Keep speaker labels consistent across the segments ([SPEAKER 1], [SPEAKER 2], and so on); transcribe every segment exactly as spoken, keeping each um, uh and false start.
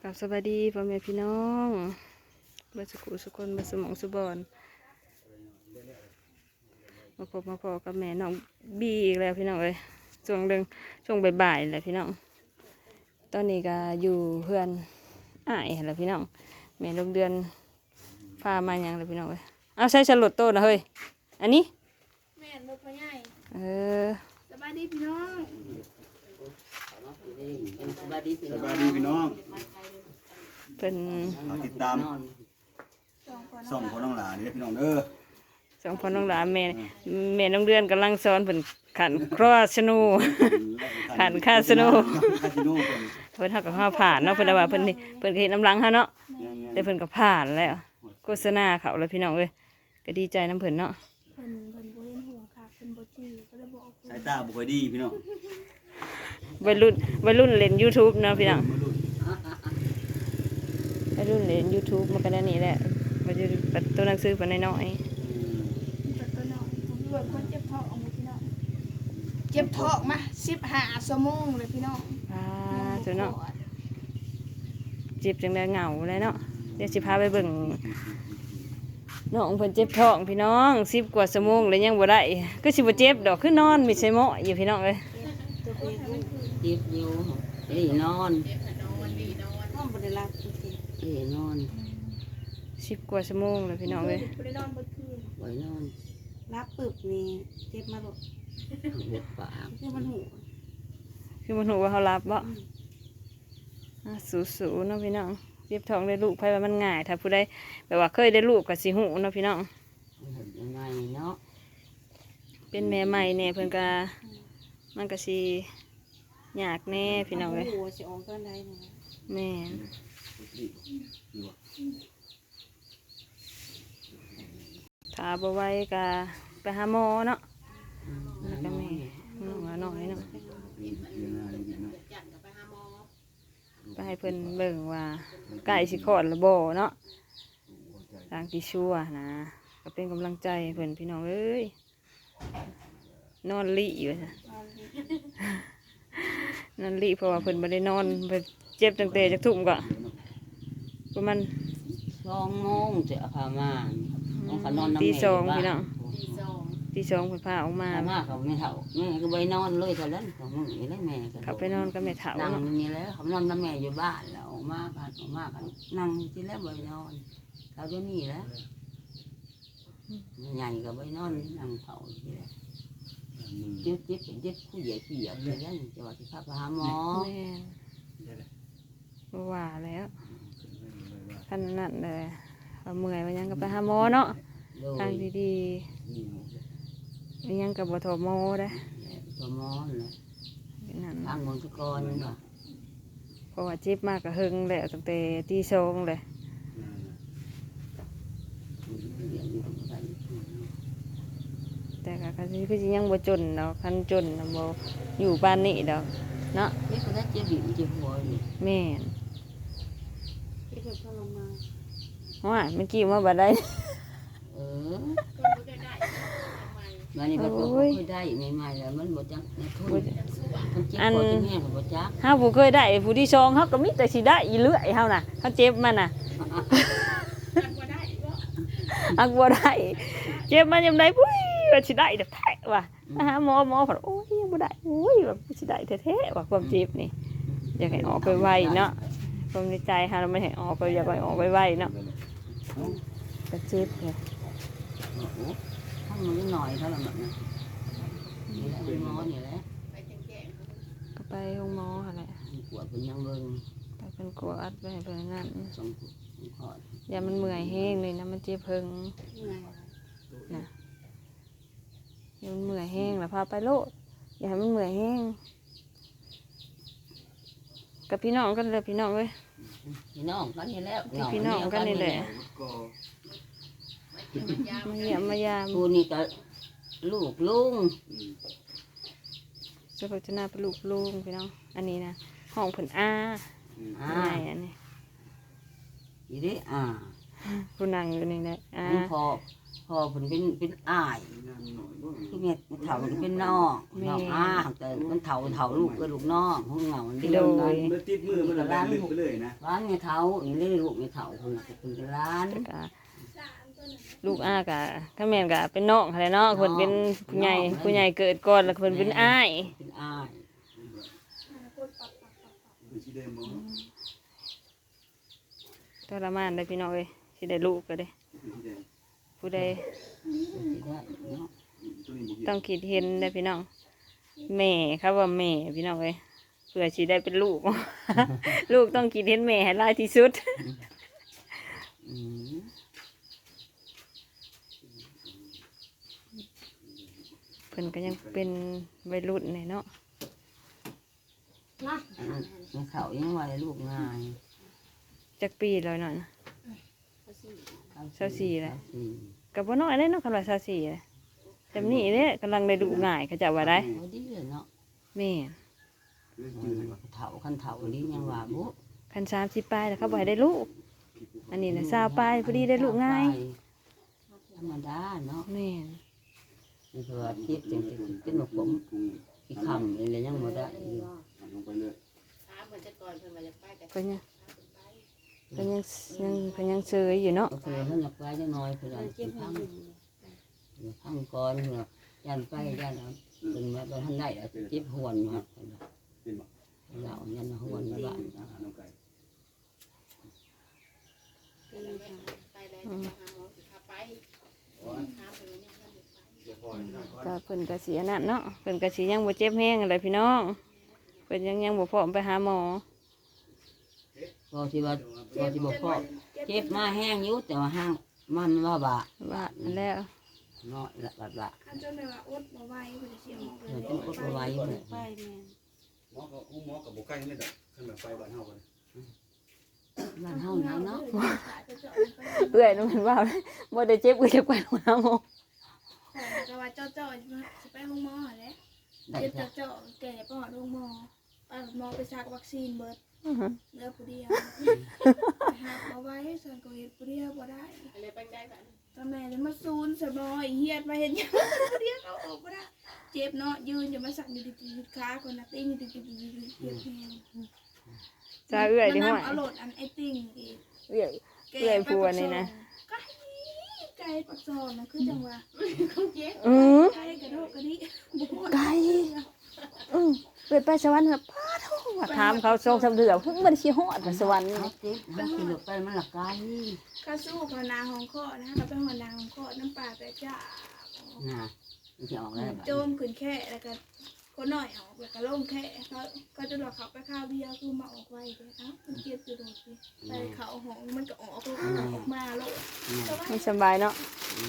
[SPEAKER 1] กับสวัสดีพ่อแม่พี่น้องบัสกุสุคนบัสมองสุบอนมาพบมาพอกับแม่น้องบีอีกแล้วพี่น้องเอ้ยช่วงเดิงช่วงบ่ายๆแหละพี่น้องตอนนี้ก็อยู่เพื่อนอ้ายแหละพี่น้องแม่ลูกเดือนพามาอย่างเลยพี่น้องเอ้ยเอาใช้ฉลดโตนะเฮ้ยอันนี้
[SPEAKER 2] แม่ลูกพ่อใหญ่
[SPEAKER 1] เออ
[SPEAKER 2] สบายดีพี่น้อง
[SPEAKER 3] สบายดีพี่น้อง
[SPEAKER 1] เป็น
[SPEAKER 3] ติดตามส่องของน้องหลานนี่พี่น้องเด้อ
[SPEAKER 1] สองคนน้องหลานแม่แม่น้องเดือนกำลังสอนเพิ่นขันครอสนูขันคาสนูเพิ่นเฮาก็เฮาผ่านเนาะเพิ่นว่าเพิ่นเพิ่นเฮ็ดน้ำลังเฮาเนาะแต่เพิ่นก็ผ่านแล้วโฆษณาเขาแล้วพี่น้องเอ้ยก็ดีใจน้ำเพิ่นเนาะ
[SPEAKER 2] เพิ่นเพิ่นบ่เห็นหัวค่ะเพิ่นบ่จี้ก็เลยบ่ออก
[SPEAKER 3] สายตาบ่ค่อยดีพี่น้อง
[SPEAKER 1] วัยรุ่นวัยรุ่นเล่น YouTube เนาะพี่น้องวัยรุ่นเล่น YouTube มันก็ได้นี่แหละมันจะเป็นตัวหนังสือเป็นน้อย
[SPEAKER 2] ๆแต่ตัวน้อยผมรวมคนเจ็บท้องเอาหมดพี่น้องเจ็บท้องมาสิบห้าชั่วโมงเลยพี่น้อง
[SPEAKER 1] อ่าตัวเนาะเจ็บจังได้เหงาเลยเนาะเดี๋ยวสิพาไปเบิ่งน้องเพิ่นเจ็บท้องพี่น้องสิบกว่าชั่วโมงเลยยังบ่ได้ก็สิบ่เจ็บดอกคือนอนมีใส่หม้ออยู่พี่น้องเอ้ย
[SPEAKER 4] เจ็บอยู่เอ้ยนอน
[SPEAKER 2] นอนบ่ได้หลับจริง
[SPEAKER 4] เอ้ยนอน
[SPEAKER 1] สิบกว่าชั่วโมงเลยพี่น้องเอ้ย
[SPEAKER 2] บ่ได้นอนบ่คืน
[SPEAKER 4] บ่นอน
[SPEAKER 2] รับปึบนี่เจ็บมาบ่
[SPEAKER 4] เจ็บปาก
[SPEAKER 2] คือมันหู
[SPEAKER 1] คือมันหูว่าเขารับบ่สู้ๆเนาะพี่น้องเจ็บท้องได้ลูกไผว่ามันง่ายถ้าผู้ใดแบบว่าเคยได้ลูกก็สิหูเนาะพี่น้อง
[SPEAKER 4] ยังไงเนาะ
[SPEAKER 1] เป็นแม่ใหม่แน่เพิ่นก็มันก็สิยากแน่พี่น้องเอ้ย
[SPEAKER 2] หัวสิออกตอนใดนี่
[SPEAKER 1] แม่ถ้าบ่ไหวก็ไปหาหมอเนาะแล้วก็แม่น้องน้อยเนาะไปให้เพิ่นเบิ่งว่าใกล้สิคลอดแล้วบ่เนาะทางที่ชั่วนะก็เป็นกำลังใจเพิ่นพี่น้องเอ้ยนอนลิอยู่จ้ะนอนลิเพราะว่าเพิ่นบ่ได้นอนเพิ่นเจ็บตั้งแต่จักทุ่มก็ประมาณ
[SPEAKER 4] สองโมงจะพามาต้องขนอนน้ำแม่
[SPEAKER 1] ตีสองพี่น้องตีสองเพิ่นพาออกมา
[SPEAKER 4] มาเขาไม่เท่าแม่ก็ไปนอนเลยเท่านั้นของมึงนี่แหละแม่ก็
[SPEAKER 1] เขาไปนอนกับแม่เฒ่า
[SPEAKER 4] นั่งนี่แล้วเขานอนน้ำแม่อยู่บ้านแล้วออกมากันออกมากันนั่งที่แล้วไปนอนเขาจะนี่แล้วใหญ่ก็ไปนอนนั่งเผาที่แล้วเจ็บเจ็บเจ็บผู้ใหญ่ผู้ใหญ่เลยนั่นจะว่าที่พาไปหาหมอ
[SPEAKER 1] ว่าแล้วขนาดนั้นเลยเอาเมื่อยมันยังก็ไปหาหมอเนาะทางดีๆมันยังกับบทหมอได้
[SPEAKER 4] บทหมอเลยทางมณฑกรเนาะ
[SPEAKER 1] เพราะว่าเจ็บมากก็หึงเลยตั้งแต่ตีสองเลยแต่ก็คันที่พี่ยังบ่จนดอกคันจนนะบ่อยู่บ้านนี่ดอกเนาะ
[SPEAKER 4] นี่ก็ได้เจ็บดิบเจ็บหัวนี่
[SPEAKER 1] แม่น
[SPEAKER 2] ที่เพิ่นทรมาน
[SPEAKER 1] ว่ามันกี่มาบ่ได้
[SPEAKER 4] เออมานี่บ่เคยได้ใหม่ๆแล้วมันบ่จักทุนมันเจ็บปวดที่แม่ก็บ่จัก
[SPEAKER 1] เฮาบ่เคยได้ผู้ที่สองเฮาก็มีแต่สิได้อีเรื่อยเฮาน่ะเฮาเจ็บมันน่ะอักบ่ได้เจ็บมันยามใดปุ้ยว่าสิได้แท้ว่ะมาหาหมอหมอเพิ่นโอ้ยยังบ่ได้โอ้ยว่าสิได้แท้ๆว่าความเจ็บนี่อยากให้ออกไปไวเนาะความในใจเฮาไม่ให้ออกไปอยากให้ออกไปไวเนาะก็เจ็บเนี่ย
[SPEAKER 4] ถ้ามันน้อยเท่านั้นน่ะนี่แหละหมอนี่แหละ
[SPEAKER 1] ก็ไปโรงหมอหั่นแหละ
[SPEAKER 4] ปวดเป็นยังเบิ่ง
[SPEAKER 1] ไปเป็นกลัวอัดไปให้เพิ่นนั่นอย่ามันเมื่อยแห้งเลยนะมันเจ็บเพิ่งนะอย่ามันเมื่อยแห้งแล้วพาไปโลดอย่าให้มันเมื่อยแห้งกับพี่น้องกันเลยพี่น้องเว้ย
[SPEAKER 4] พี่น้องกันนี่แล้ว
[SPEAKER 1] พี่น้องกันนี่แหละมาเยี่ยมมายาม
[SPEAKER 4] ผู้นี่ก็ลูกลุง
[SPEAKER 1] จะพัฒนาเป็นลูกลุงพี่น้องอันนี้นะห้องผลอา
[SPEAKER 4] อ่า
[SPEAKER 1] อันนี้
[SPEAKER 4] อีดิอ่า
[SPEAKER 1] ผู้นั่งอยู่นี่แหละอ่า
[SPEAKER 4] พอพ่อผมเป็นเป็นอ้ายคือเม็ดเถามันเป็นน้องน้องอ้าแต่มันเถาเถาลูกก็ลูกน้องห้องเหงาเดียวกัน
[SPEAKER 3] มันติดมือมันละลานลึกไปเลยนะ
[SPEAKER 4] ร้านไงเถาอีเล่ลูกไงเถาคนเป็นร้าน
[SPEAKER 1] กะลูกอากะถ้าแม่นกะเป็นน้องอะไรเนาะเพิ่นเป็นผู้ใหญ่ผู้ใหญ่เกิดก่อนแล้วเพิ่นเป็นอ้าย
[SPEAKER 4] เป็นอ้าย
[SPEAKER 1] ทรมานได้พี่น้องเอ้ยสิได้ลูกก็ได้ผู้ใดต้องคิดเห็นได้พี่น้องแม่ครับว่าแม่พี่น้องเอ้ยเพื่อสิได้เป็นลูก ลูกต้องคิดเห็นแม่ให้หลายที่สุด เพิ่นก็ยังเป็นวัยรุ่นเนี่ยเนาะ
[SPEAKER 4] มันเขายังว่าลูกง่าย
[SPEAKER 1] จักปีแล้วเนาะเศร้าสี่เลย
[SPEAKER 4] สี่
[SPEAKER 1] กับบ่น้อยเลยเนาะคำว่าเศร้าสี่เลยจำนี้เนี่ยกำลังได้ดูง่ายเขาจะว่าได้
[SPEAKER 4] พอดีเลยเนาะ
[SPEAKER 1] แม่
[SPEAKER 4] เถาคันเถานี้ยังว่าบุ
[SPEAKER 1] คันสามสิบปลายแล้วเขาบ่ให้ได้ลูกอันนี้นะสาวปลายพอดีได้ลูกง่าย
[SPEAKER 4] ธรรมดาเนาะ
[SPEAKER 1] แม่
[SPEAKER 4] นี่คือเทียบจริงๆเป็นหมกผมอีกคำอะไรยังบ่ได้อยู่
[SPEAKER 3] ลงไปเลย
[SPEAKER 1] ก็ยังก็ยังยังก็ยังเซยอยู่เนาะ
[SPEAKER 4] ก็คือเขาอยากไปจะน้อยคืออะไรพังพังก่อนเนาะยันไปยันเป็นแบบท่านได้เจ็บหวนอยู่ครับ
[SPEAKER 3] เป็นบ่
[SPEAKER 4] เรายันหวนบ้าน
[SPEAKER 3] อาหารน้ำไก่
[SPEAKER 1] อืมก็เพิ่นก็สิอันนั้นเนาะเพิ่นก็สิยังบ่เจ็บแห้งอะไรพี่น้องเพิ่นยังยังบ่พร้อมไปหาหมอ
[SPEAKER 4] พอที่ว่าพอที่บอกพ่อเจ็บมาแห้งอยู่แต่ว่าห้างมันว่าบะ
[SPEAKER 1] ว่าอันแล้ว
[SPEAKER 4] น้อยละบะบะ
[SPEAKER 2] อันจนแบบว่าอดบ่ไหวเพิ่นจะเสียหมอ
[SPEAKER 4] เดี๋ยวต้องอดไว้เลย
[SPEAKER 2] ไปแม่
[SPEAKER 3] หมอก็หมอกับบ่ใกล้นี่ดอกขึ้นแบบไฟบ้านเฮากัน
[SPEAKER 4] บ้านเฮาไหนเนาะ
[SPEAKER 1] เอื้อยนึกว่าบ่ได้เจ็บเอื้อยจะไปหาหมอ
[SPEAKER 2] แต่ว่าเจ้าเจ้าสิไปห้องหมอแหละ
[SPEAKER 4] ได้
[SPEAKER 2] เจ็บ
[SPEAKER 4] จ้ะ
[SPEAKER 2] เจ้าแก่ไปหาห้องหมอไปหมอไปซักวัคซีนเบิด
[SPEAKER 1] อื้อหือ
[SPEAKER 2] เหลือผู้เดียวหากเอาไว้ส่วนก็เฮ็ดผู้เดียวบ่ได้ตอนแม่เลยมาซูนสมออีเฮียดมาเห็นยังผู้เดียวเขาออกบ่ได้เจ็บเนาะยืนจะมาสั่นอยู่ดิๆขาคนน่ะติ้งดิๆๆเจ็บแฮง
[SPEAKER 1] จ้าเอื้อยดิ
[SPEAKER 2] มัน
[SPEAKER 1] ห้อย
[SPEAKER 2] นำเอาโหลดอันไอ้ติ้งอีก
[SPEAKER 1] เอื้อย เอื้อยผัวนี่นะ
[SPEAKER 2] ไก่ไก่ปักซอนนะคือจังว่า
[SPEAKER 1] อือ
[SPEAKER 2] ไก่กระโดดกระดิบ่
[SPEAKER 1] ไก่อือเกิดไปสวรรค์น่ะป้าโทว่าถามเขาสองสามเดือนเพิ่งบ่ได้สิฮอดว่าสวรรค์
[SPEAKER 4] เขาเจ็บเขาขี่รถไปมันหลักไกล
[SPEAKER 2] ข้าสู้พนาของข้อนะก็เป็นหัวนาของข้อน้ำปลาแต่จ้า
[SPEAKER 4] น่ะมันจะออกแล้ว
[SPEAKER 2] โจมขึ้นแค่แล้วก็คนหน่อยออกแล้วก็ล่มแค่เขาก็จะหลอกเขาไปข้าวเบียร์คือมาออกไว้เลยเอ้ามันเจ็บอยู่โดดสิไปเขาหองมันก็ออกออกมาโลด
[SPEAKER 1] ไม่สบายเนาะ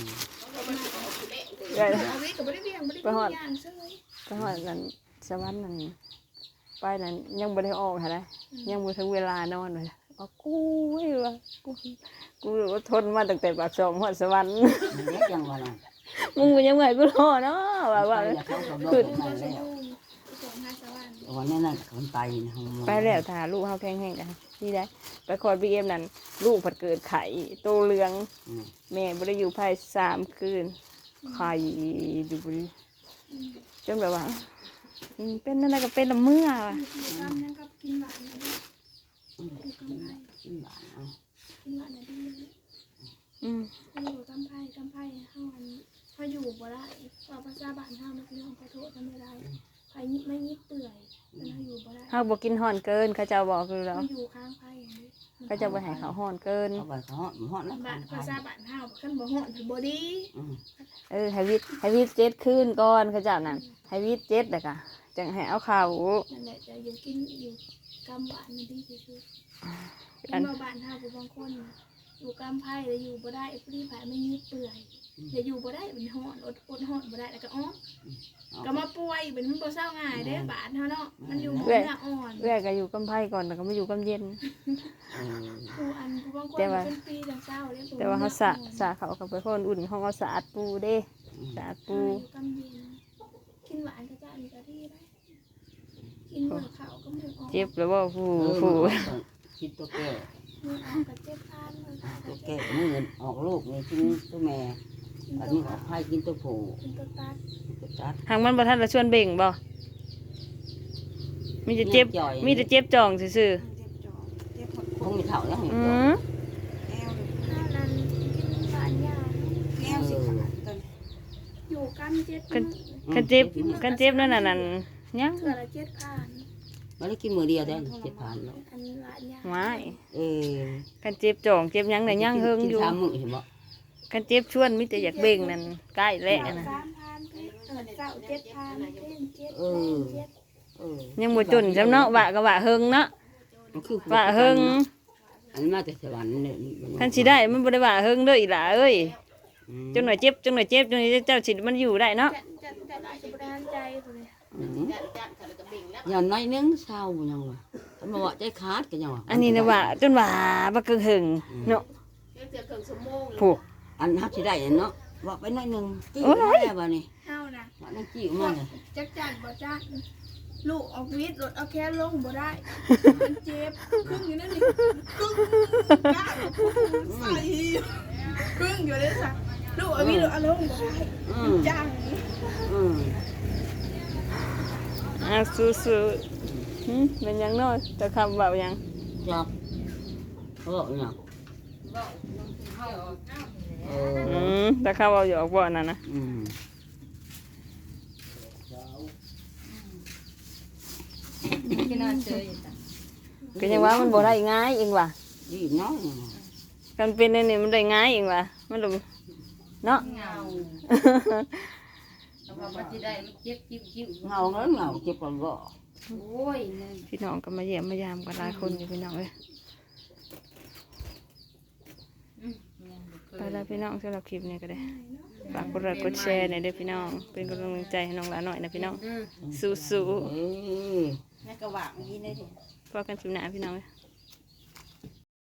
[SPEAKER 1] เอื้อย
[SPEAKER 2] เอาไว้ก็ไม่ได้เบี้ยงไม่ได้กินย่างเซ้ย
[SPEAKER 1] ไปฮอดนั่นสวรรค์นั่นไปนั่นยังบ่ได้ออกหั่นนะยังบ่ถึงเวลานอนเลยเอากูเว้ยว่ากูกูอดทนมาตั้งแต่ปากซองฮอดสวรรค์
[SPEAKER 4] มันเล็กยังวะน่ะ
[SPEAKER 1] มึงยังไงกูรอเนาะว่าว่า
[SPEAKER 4] ไปเขาก็บอก
[SPEAKER 2] คือ
[SPEAKER 4] ไป
[SPEAKER 2] ก็จะ
[SPEAKER 4] แล้ว
[SPEAKER 2] ยุ่งส่งห้าสวรรค์
[SPEAKER 4] วันนี้นั่นเขาไปนะ
[SPEAKER 1] ไปแล้วถ้าลูกเฮาแข็งแรงกันนี่ได้ไปคอร์ดบีเอ็มนั่นลูกผัดเกิดไข่โตเหลืองแม่บ่ได้อยู่ภายสามคืนไข่อยู่บ่ได้จนแบบว่าอืมเป็นนั่นน่ะก็เป็นละเมื่อว่ะ
[SPEAKER 2] กินกำนั่งกับกินหวานนะกินกำไร
[SPEAKER 4] กินบ้านเอา
[SPEAKER 2] กินหวานนะดี
[SPEAKER 1] อืม
[SPEAKER 2] เขาอยู่กำไพ่กำไพ่เฮาอันเขาอยู่บ่ได้ว่าภาษาบ้านเฮามันคือขอโทษทำไม่ได้ไผยิบไม่ยิบเปื่อยมันเฮาอยู่บ่ได้
[SPEAKER 1] เฮาบ่กินฮ้อนเกินเขาเจ้าบอกคือแล้ว
[SPEAKER 2] มันอยู่ข้างไพ่อย่างนี้
[SPEAKER 1] เขาเจ้าบ่ให้เขาฮ้อนเกิน
[SPEAKER 4] เขาไปเขาหอดหอดแล้ว
[SPEAKER 2] บ้านภาษาบ้านเฮาคันบ่ฮ้อนถือบ่ดี
[SPEAKER 1] เออให้วิทย์ให้วิทย์เจ็ดคืนก่อนเขาเจ้านั่นให้วิทย์เจ็ดแล้วก็จังให้เอาข้าว
[SPEAKER 2] นั่นแหละจะอยู่กินอยู่กำหวานมันดีที่สุดเป็นบ่บ้านเฮาผู้บางคนอยู่กำไพ่แล้วอยู่บ่ได้ไอ้ผู้ที่ไผไม่ยิบเปื่อยแล้วอยู่บ่ได้เป็นฮ้อนอดอดฮ้อนบ่ได้แล้วก็อ๋อก็มาป่วยเป็นมันบ่เศร้าง่ายเด้บ้านเฮาเนาะมันอยู่หมองเนื้ออ่อน
[SPEAKER 1] เอื้อยก็อยู่กำไผก่อนแล้วก็มาอยู่กำเย็น
[SPEAKER 2] ผู้อันผู้บางคน
[SPEAKER 1] แต่ว่า
[SPEAKER 2] เป็นปีจังเศร้าเลย
[SPEAKER 1] แต่ว่าเขาสะสะเขากับไปคนอุ่นเขาเอาสะอาดปูเด้สะอาดปู
[SPEAKER 2] กำเย็นกินหวานก็จะมีกะทิได้กินเหมือนเขาก็เหมือนออก
[SPEAKER 1] เจ็บหรือว่าผู้
[SPEAKER 4] ผู้
[SPEAKER 1] ผู้
[SPEAKER 4] คิดตัวแก่
[SPEAKER 2] เหมือนออกกับเจ็บทานเหมือนออก
[SPEAKER 4] ตั
[SPEAKER 2] กั
[SPEAKER 4] ว
[SPEAKER 2] บเจ็
[SPEAKER 4] แก่
[SPEAKER 2] บ
[SPEAKER 4] มือออกลูกนี่ทิ้งตัวแม่อันนี้ออกไผ่กินตัวผู
[SPEAKER 2] เป็นตัวตัด
[SPEAKER 4] ตัวจัด
[SPEAKER 1] หางมันบ่ทันละชวนเบ่งบ่มีแต่เจ็บมีแต่เจ็บจองซื่อ
[SPEAKER 5] เจ็บจอเจ็บหด
[SPEAKER 4] คงมีเท่าแล้ว
[SPEAKER 1] ๆ
[SPEAKER 4] เห็น
[SPEAKER 1] อื
[SPEAKER 4] ตัว
[SPEAKER 1] ม
[SPEAKER 5] แอว
[SPEAKER 2] ข้าวนั้นกินหวานยา
[SPEAKER 5] แอวสิขาดตอน
[SPEAKER 2] อยู่กันเจ็ด
[SPEAKER 1] คันคันเจ็บคันเจ็บนั่นน่ะนั่นยัง
[SPEAKER 2] เถื่อละเจ็ดพัน
[SPEAKER 4] มันได้กินมือเดียวได้เจ็ดพันแล้ว
[SPEAKER 2] อันหวานยา
[SPEAKER 1] หวาย
[SPEAKER 4] เออ
[SPEAKER 1] คันเจ็บจองเจ็บหยังน่ะยังเฮิงอยู่
[SPEAKER 4] สามมื้อเห็นบ่
[SPEAKER 1] คันเจ็บชวนมีแต่อยากเบ่งนั่นใกล้แล้วนะ
[SPEAKER 2] สามพันเพชรเออเจ้าเจ็ดพันเพชรเจ็ด
[SPEAKER 4] เอ
[SPEAKER 2] แป
[SPEAKER 4] อ
[SPEAKER 2] ดเจ็ด
[SPEAKER 4] เออ
[SPEAKER 1] ยังบ่จนจำเนาะว่าก็ว่าเฮิงเนาะ
[SPEAKER 4] มันคือ
[SPEAKER 1] ว่าเฮิง
[SPEAKER 4] อันมาแต่สวรรค์เนี่ย
[SPEAKER 1] คันสิได้มันบ่ได้ว่าเฮิงเด้ออีหล่าเอ้ย
[SPEAKER 4] อืม
[SPEAKER 1] จนหน่อยเจ็บจนหน่อยเจ็บจนเจ้าสิมันอยู่ได้เนาะ
[SPEAKER 2] จะจะจะได้สุบรานใจคนเลย
[SPEAKER 4] อืมอย่างน้อยนึงเศร้ายังวะท่านบอกว่าใจขาดกันยังวะ
[SPEAKER 1] อันนี้นะว่าจนว่าบ่เกิงหึงเนาะผู้
[SPEAKER 4] อันฮับสิได้เนาะว่าไปน้อยนึงจี้
[SPEAKER 1] โอ้ย
[SPEAKER 4] มาแล้วบ่นี่
[SPEAKER 2] เท่านะ
[SPEAKER 4] ว่านั่นจี้มาเลย
[SPEAKER 2] จักจันบ่จักลูกออกวิทย์รถเอาแค่ลงบ่ได้มันเจ็บครึ่งอยู่นั่นนี่ครึ่งก้าวใส่ครึ่งอยู่เลยสักลูกเอาวิทย์รถเอาลงบ่ได้
[SPEAKER 4] อืม
[SPEAKER 2] จัง
[SPEAKER 4] อืม
[SPEAKER 1] อ่ะสู้ๆหึเป็นหยังเนาะแต่คำเว้าหยัง
[SPEAKER 4] จับเขาบอกเนี่ยเออ
[SPEAKER 1] อืมแต่คำเว้าหยอกบ่นั่นนะ
[SPEAKER 4] อืม
[SPEAKER 1] ก็ยังว่ามันบ่ได้ง่ายเองว่ะ
[SPEAKER 4] ดีน้อย
[SPEAKER 1] กันเป็นอันนี้มันได้ง่ายเองว่ะมันดูเนาะ
[SPEAKER 4] เงาเงาเงาเจ็บก่อนก็
[SPEAKER 1] พี่น้องก็มาเยี่ยมมายามกันหลายคนอยู่พี่น้องเอ้ยไปแล้วพี่น้องสำหรับคลิปนี้ก็ได้ฝากกดไลค์กดแชร์หน่อยเด้อพี่น้องเป็นกำลังใจให้น้องหลานหน่อยนะพี่น้องสู้
[SPEAKER 4] เอ้ย
[SPEAKER 5] แม่ก็หวังดีได้ดิ
[SPEAKER 1] ๆพอกันคลิปหน้าพี่น้องเอ้ย